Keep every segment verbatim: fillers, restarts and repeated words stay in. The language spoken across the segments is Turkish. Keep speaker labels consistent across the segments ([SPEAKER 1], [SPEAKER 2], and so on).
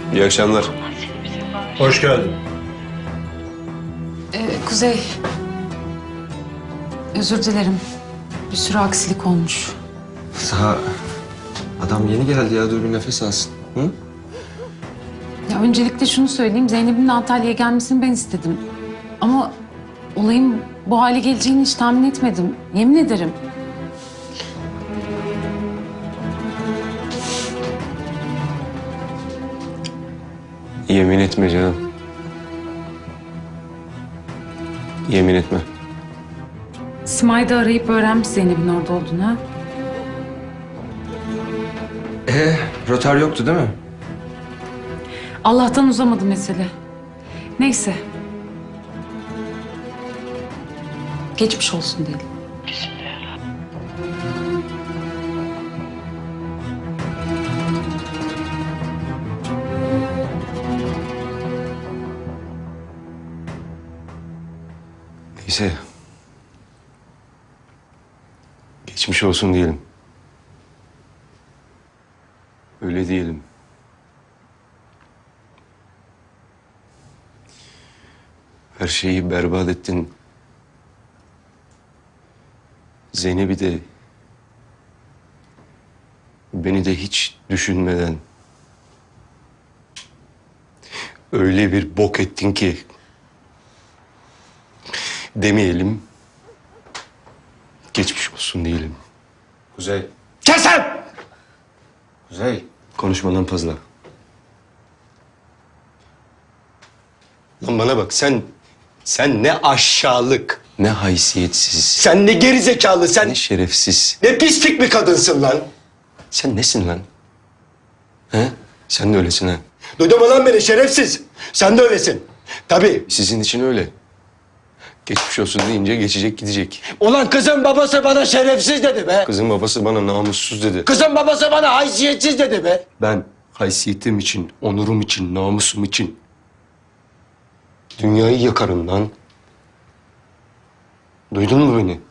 [SPEAKER 1] İyi akşamlar.
[SPEAKER 2] Hoş geldin.
[SPEAKER 3] Ee, Kuzey. Özür dilerim. Bir sürü aksilik olmuş.
[SPEAKER 1] Daha adam yeni geldi ya, dur bir nefes alsın. Hı?
[SPEAKER 3] Ya öncelikle şunu söyleyeyim. Zeynep'in de Antalya'ya gelmesini ben istedim. Ama olayın bu hale geleceğini hiç tahmin etmedim. Yemin ederim.
[SPEAKER 1] Yemin etme canım. Yemin etme.
[SPEAKER 3] Simay da arayıp öğrenmiş Zeynep'in orada olduğunu. Ha?
[SPEAKER 1] Ee, rotar yoktu değil mi?
[SPEAKER 3] Allah'tan uzamadı mesele. Neyse. Geçmiş olsun diyelim.
[SPEAKER 1] Neyse. Geçmiş olsun diyelim. Öyle diyelim. Her şeyi berbat ettin. Zeynep'i de, beni de hiç düşünmeden öyle bir bok ettin ki demeyelim, geçmiş olsun diyelim. Kuzey. Kesin! Kuzey. Konuşmadan fazla. Lan bana bak, sen sen ne aşağılık, ne haysiyetsiz,
[SPEAKER 2] Sen ne gerizekalı, sen
[SPEAKER 1] ne şerefsiz.
[SPEAKER 2] ne pislik bir kadınsın lan.
[SPEAKER 1] Sen nesin lan? He? Sen de öylesin ha.
[SPEAKER 2] Duydun mu lan beni şerefsiz? Sen de öylesin. Tabii.
[SPEAKER 1] Sizin için öyle. Geçmiş olsun deyince geçecek gidecek.
[SPEAKER 2] Ulan kızın babası bana şerefsiz dedi be.
[SPEAKER 1] Kızın babası bana namussuz dedi.
[SPEAKER 2] Kızın babası bana haysiyetsiz dedi be.
[SPEAKER 1] Ben haysiyetim için, onurum için, namusum için dünyayı yakarım lan. Duydun mu beni?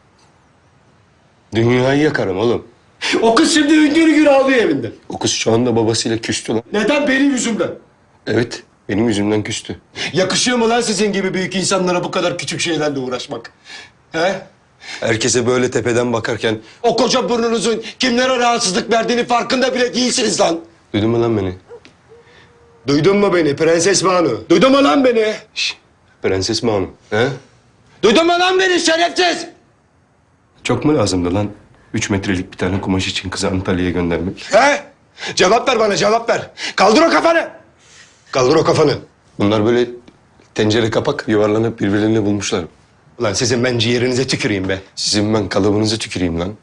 [SPEAKER 1] Dünyayı yakarım oğlum.
[SPEAKER 2] O kız şimdi hüngür hüngür ağlıyor evinde.
[SPEAKER 1] O kız şu anda babasıyla küstü lan.
[SPEAKER 2] Neden? Benim yüzümden.
[SPEAKER 1] Evet, benim yüzümden küstü.
[SPEAKER 2] Yakışıyor mu lan sizin gibi büyük insanlara bu kadar küçük şeylerle uğraşmak? He?
[SPEAKER 1] Herkese böyle tepeden bakarken
[SPEAKER 2] O koca burnunuzun kimlere rahatsızlık verdiğini farkında bile değilsiniz lan.
[SPEAKER 1] duydun mu lan beni?
[SPEAKER 2] Duydun mu beni Prenses Banu? Duydun mu lan beni?
[SPEAKER 1] Şş, Prenses Banu. He?
[SPEAKER 2] Duydun mu lan beni şerefsiz?
[SPEAKER 1] Çok mu lazımdı lan? Üç metrelik bir tane kumaş için kızı Antalya'ya göndermek.
[SPEAKER 2] He? Cevap ver bana cevap ver. Kaldır o kafanı. Kaldır o kafanı.
[SPEAKER 1] Bunlar böyle tencere kapak yuvarlanıp birbirlerini bulmuşlar.
[SPEAKER 2] Ulan sizin ben ciğerinize tüküreyim be.
[SPEAKER 1] Sizin ben kalıbınızı tüküreyim lan.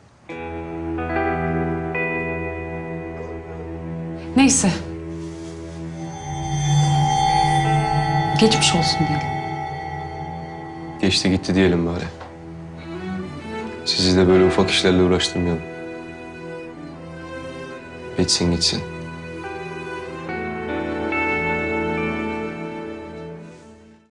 [SPEAKER 3] Neyse. Geçmiş olsun diyelim.
[SPEAKER 1] Geçti gitti diyelim bari. Sizi de böyle ufak işlerle uğraştırmayalım. Geçsin gitsin.